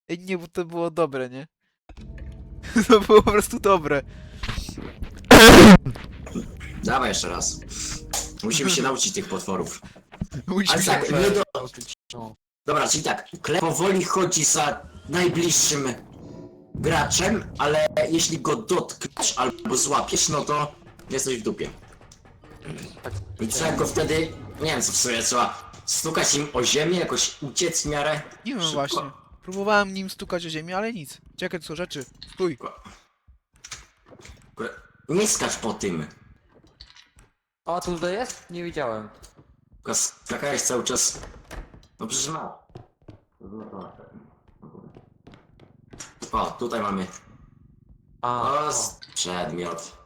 Ej, nie, bo to było dobre, nie? To było po prostu dobre. Dawaj jeszcze raz. Musimy się nauczyć tych potworów. Musimy Ale się tak, nie do... No. Dobra, czyli tak, Klep powoli chodzi za najbliższym graczem, ale jeśli go dotkniesz albo złapiesz, no to jesteś w dupie. Tak. I trzeba go wtedy, nie wiem co w sumie, trzeba stukać im o ziemię, jakoś uciec w miarę Nie wiem szybko. właśnie. Próbowałem nim stukać o ziemię, ale nic. Czekaj, to są rzeczy. Stój. Nie skacz po tym. A tu tutaj jest? Nie widziałem. Tylko skakałeś cały czas. No przecież masz. O, tutaj mamy. O, przedmiot.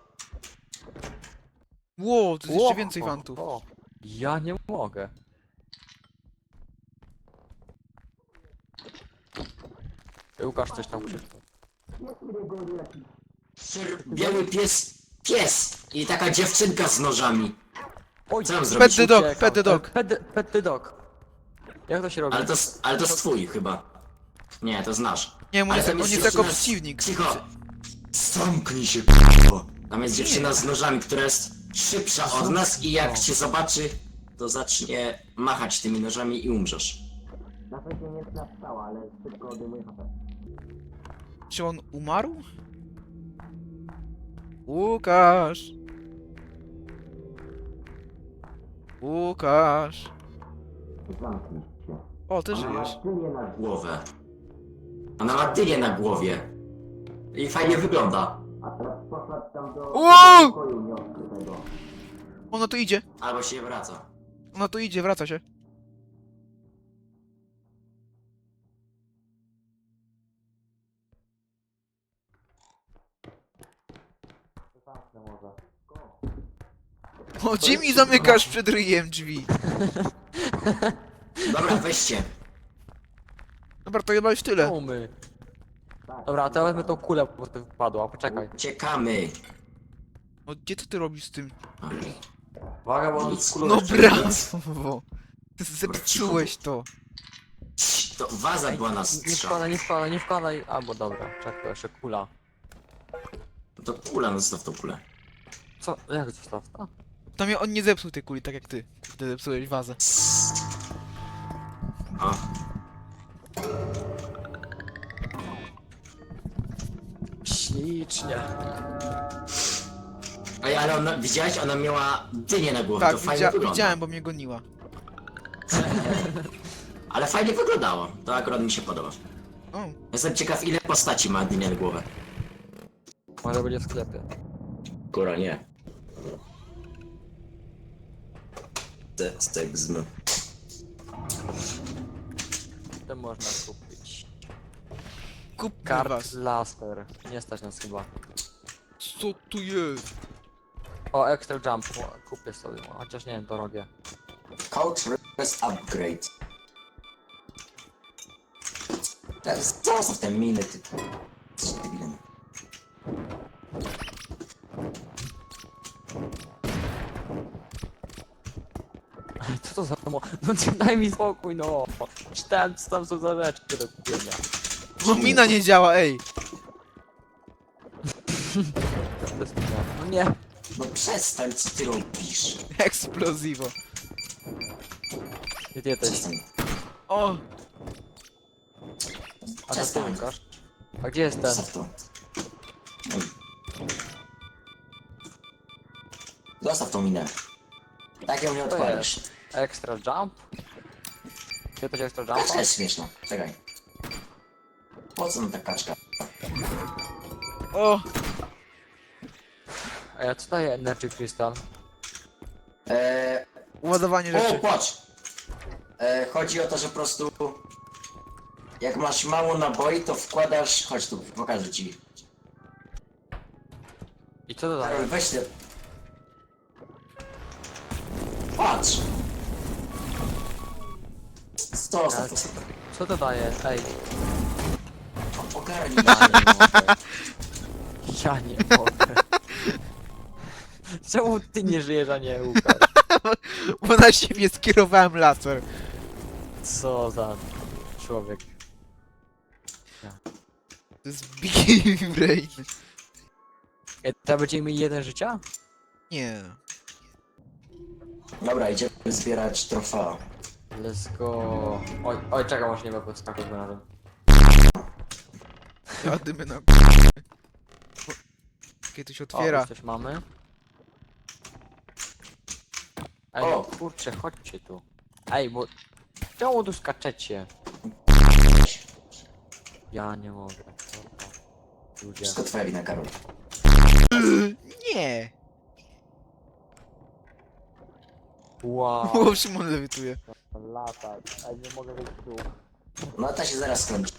Ło, to jest Ło, jeszcze więcej o, fantów. o. Ja nie mogę. Łukasz coś tam krzyknął. Biały pies i taka dziewczynka z nożami. Oj, Co mam Pet zrobić? the dog, uciekam. pet the dog. Pet the dog. Jak to się robi? Ale to jest twój chyba. Nie, to znasz. Nie, on Ale jest, tam on jest dziewczyna jako z- przeciwnik. Cicho! Zamknij się, k***o. Tam jest dziewczyna z nożami, która jest szybsza od nas i jak cię zobaczy, to zacznie machać tymi nożami i umrzesz. Na pewno nie jest napstała, ale szybko odejmuje HP. Czy on umarł? Łukasz! Łukasz! Zamknij się. O, ty Ona ma żyjesz. dynię na głowę. Ona ma dynię na głowie. I fajnie wygląda. A teraz poszła tam do Wow! pokoju nieodkrytego. Ona tu idzie. Albo się wraca. Ona tu idzie, wraca się. O, Jimmy, zamykasz przed ryjem drzwi. Dobra, weźcie. Dobra, to chyba już tyle. Umy. Dobra, to ja wezmę tą kulę, bo to wypadła. Poczekaj. Uciekamy. O, gdzie ty robisz z tym? Uwaga, bo Nic. kulą No Kurczę, brawo! Ty zepsułeś to. Cii, to waza była na Nie strzał. wkładaj, nie wkładaj, nie wkładaj. Albo dobra, czekaj, jeszcze kula. To kula, no zostaw tą kulę. Co? Jak to zostaw? A, To mnie on nie zepsuł tej kuli, tak jak ty. Ty zepsułeś wazę. O, ślicznie. ej, ale ona, widziałeś? Ona miała dynię na głowie, Tak, to fajnie wygląda. widziałem, bo mnie goniła. Ale fajnie wyglądało, to akurat mi się podoba. O, Jestem ciekaw, ile postaci ma dynię na głowę. Może będzie w sklepie. Góra, nie. Stegzm. To można kupić. kupmy Kart was. laser. Nie stać nas chyba. Co tu jest? O, extra jump. O, kupię sobie, chociaż nie wiem, to robię. Couch rest upgrade. Zostaw te miny, ty. Jesteś debilem. Co to za No daj mi spokój, no. Czytałem, co tam są za rzeczy do kupienia. Bo mina nie działa, ej! To jest No nie. No przestań, co ty robisz? Eksplozivo. Gdzie ty jesteś? Przestań. O! A to ty, Przestań. Łukasz? A gdzie jest ten? Zostaw to. Ej. Zostaw tą minę. Tak ją nie To odpalisz. Extra jump? Gdzie to extra Kaczka jumpa? jest śmieszna. Czekaj. Po co nam ta kaczka? O! A ja co daje Energy Crystal? Ładowanie O, rzeczy. patrz! Chodzi o to, że po prostu... Jak masz mało naboi, to wkładasz... Chodź tu, pokażę ci. I co to daje? Weź te... Patrz! Zostaw to. Co to daje? Ej, Ogarnij. ja nie mogę. Czemu ty nie żyjesz, a nie Łukasz? Bo na siebie skierowałem laser. Co za człowiek. To jest Big Brain. Teraz będziemy mieli 1 życia? Nie. Dobra, idziemy zbierać trofea. Let's go. Oj, czekaj, może nie ma podskaku na tym. Jadymy na... Kiedy się O, otwiera. już coś mamy. Ej, O! no kurczę, chodźcie tu. Ej, bo... Czemu tu skaczecie? Ja nie mogę. Ludzie. Wszystko twoja wina, Karol. Nie. Wow. O, Szymon lewituje. Latać. Ej, nie mogę wyjść tu. No ta się zaraz skończy.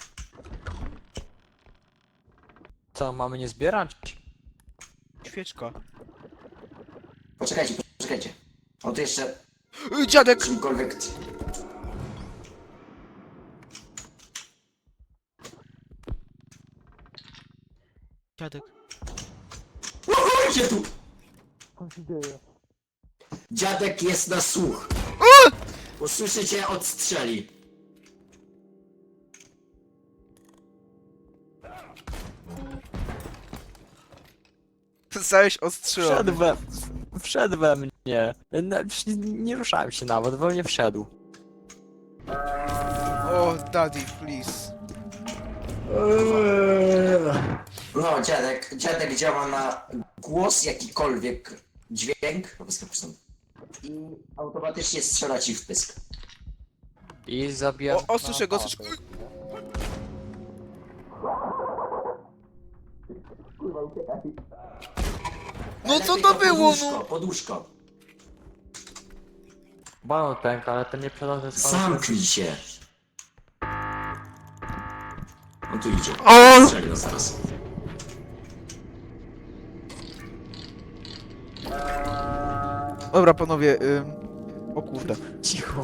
Co, mamy nie zbierać? Świeczka. Poczekajcie, poczekajcie. On tu jeszcze Dziadek! czymkolwiek... Dziadek. Idzie tu! Dziadek jest na słuch. Usłyszycie, odstrzeli. Zostałeś ostrzelony. Wszedł we mnie. Nie ruszałem się nawet, we mnie wszedł. O, daddy, please. No, dziadek działa na głos, jakikolwiek dźwięk. I automatycznie strzela ci w pysk. I zabija... O, słyszę go, słyszę go. Kurwa, uciekaj. No co to było, no? Poduszko. Balon pęka, ale ten nie przedawny Zamknij się. On tu idzie. O! Strzeli nas zaraz. Dobra, panowie, o kurde. Cicho.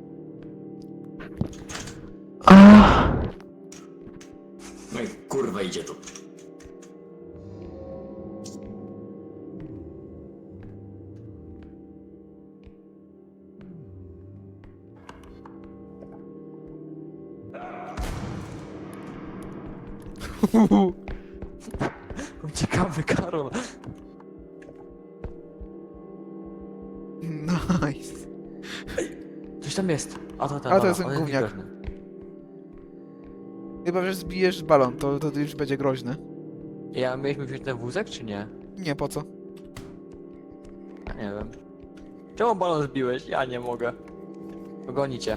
No i kurwa idzie tu. Uciekamy, Karol. Nice. Coś tam jest. A to ten A, to jest balon, ten on gówniak. niegroźny. Chyba, że zbijesz balon, to już będzie groźne. Ja mieliśmy wziąć ten wózek, czy nie? Nie, po co? Ja nie wiem. Czemu balon zbiłeś? Ja nie mogę. Pogonicie.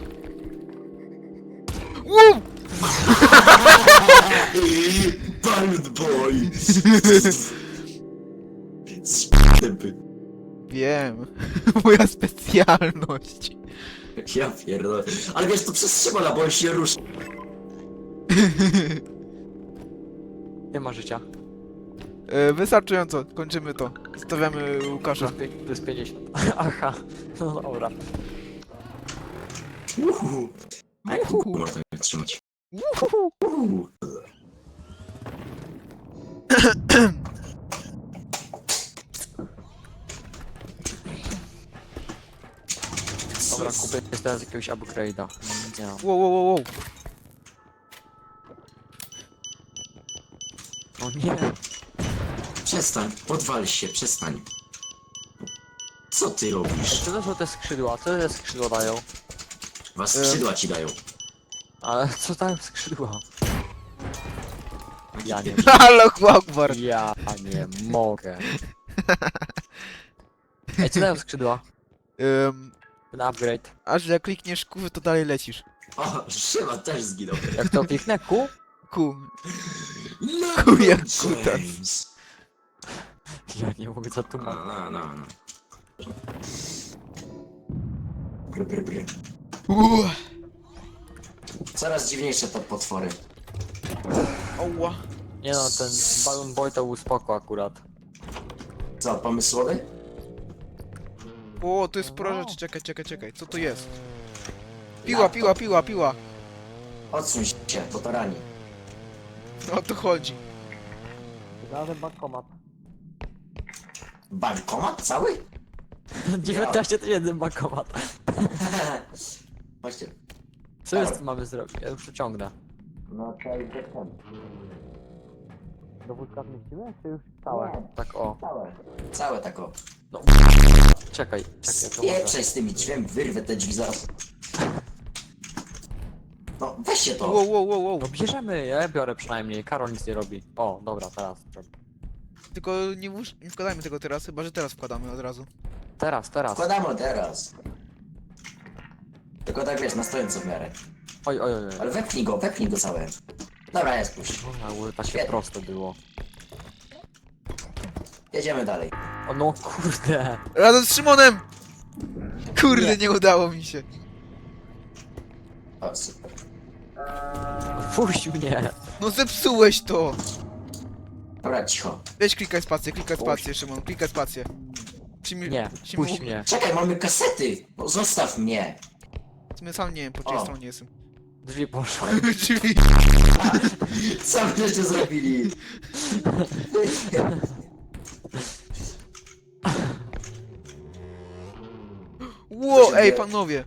Woo! Bald boy! Spępy. Wiem. Moja specjalność. Ja pierdolę. Ale wiesz, to przez Szymona, bo on się ruszy. Nie ma życia. Wystarczająco, kończymy to. Stawiamy Łukasza. To jest 50. Aha. No dobra. Uhu. A jak tu można je trzymać? Uhu. Dobra, kupię teraz jakiegoś upgrade'a. Nie mam. Wow. O nie. Przestań, podwal się, przestań. Co ty robisz? Co to są te skrzydła? Co te skrzydła dają? Was skrzydła ci dają. Ale co tam skrzydła? Ja nie Allahu Akbar. Ja nie mogę. Ej, co dają skrzydła? Ten upgrade. Aż jak klikniesz Q, to dalej lecisz. O, Szymon też zginął. Jak to kliknę Q? Q. LeBron jak kutas. James. Ja nie mogę za tu mam. No. Bry. Uuu. Coraz dziwniejsze te potwory. Oła. Nie no, ten Balloon Boy to był spoko akurat. Co, pomysłowy? O, to jest sporo rzeczy. Czekaj. Co to jest? Piła. Odsuń się, bo to rani. O to chodzi. Znalazłem bankomat. Bankomat cały? 19 000 bankomat. Chodźcie. Co jest mamy zrobić? Ja już to ciągnę. No to już jestem. Do wózka zmieścimy, czy już całe? Nie. Tak o. Całe tak o. Czekaj, to może. Spieprzaj z tymi drzwiami, wyrwę te drzwi zaraz. No, weźcie to. Wow. No bierzemy, ja biorę przynajmniej, Karol nic nie robi. O, dobra, teraz. Tylko nie wkładajmy tego teraz, chyba że teraz wkładamy od razu. Teraz. Wkładamy teraz. Tylko tak wiesz, na stojąco w miarę. Oj. Ale wepchnij go całe. Dobra, jest puść. Boże, takie Świetnie. proste było. Jedziemy dalej. O no kurde. Razem z Szymonem! Kurde, nie udało mi się. O, super. Puść mnie. No zepsułeś to! Dobra, cicho. Weź klikaj spację, Szymon, klikaj spację. Nie, puść mnie. Czekaj, mamy kasety! No, zostaw mnie! My sam nie wiem, po czyjej O. stronie jestem. Drzwi poszły. Drzwi. Co żeście zrobili? Ło, ej panowie!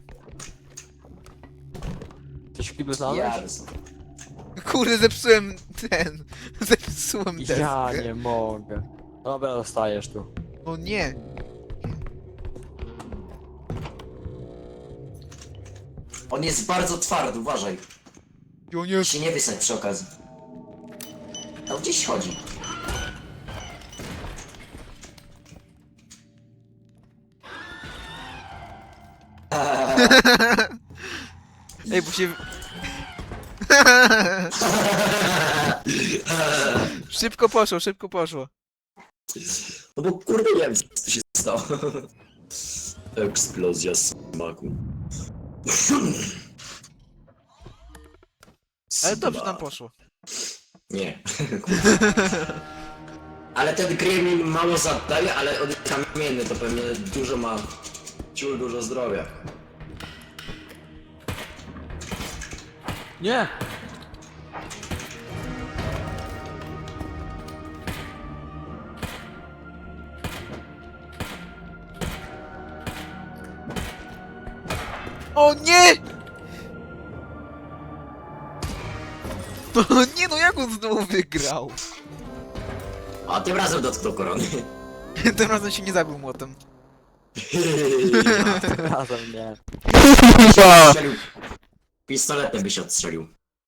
Coś w kiblu znalazłeś? Jarz. Kurde, zepsułem zepsułem deskę. Ja nie mogę. Dobra, dostajesz tu. O nie! On jest bardzo twardy, uważaj. O nie! Się nie wysać przy okazji. No gdzieś chodzi. Ej, bo się... Szybko poszło. No bo kurde nie wiem co się stało. Eksplozja smaku. Ale dobrze nam poszło. Nie. Ale ten gremlin mało zadaje, ale on jest kamienny, to pewnie dużo ma... Ciul dużo zdrowia. Nie! O nie! No nie, no jak on znowu wygrał? A tym razem dotknął korony. Tym razem się nie zabił młotem. Razem nie. Strzelił. Pistoletem by się odstrzelił.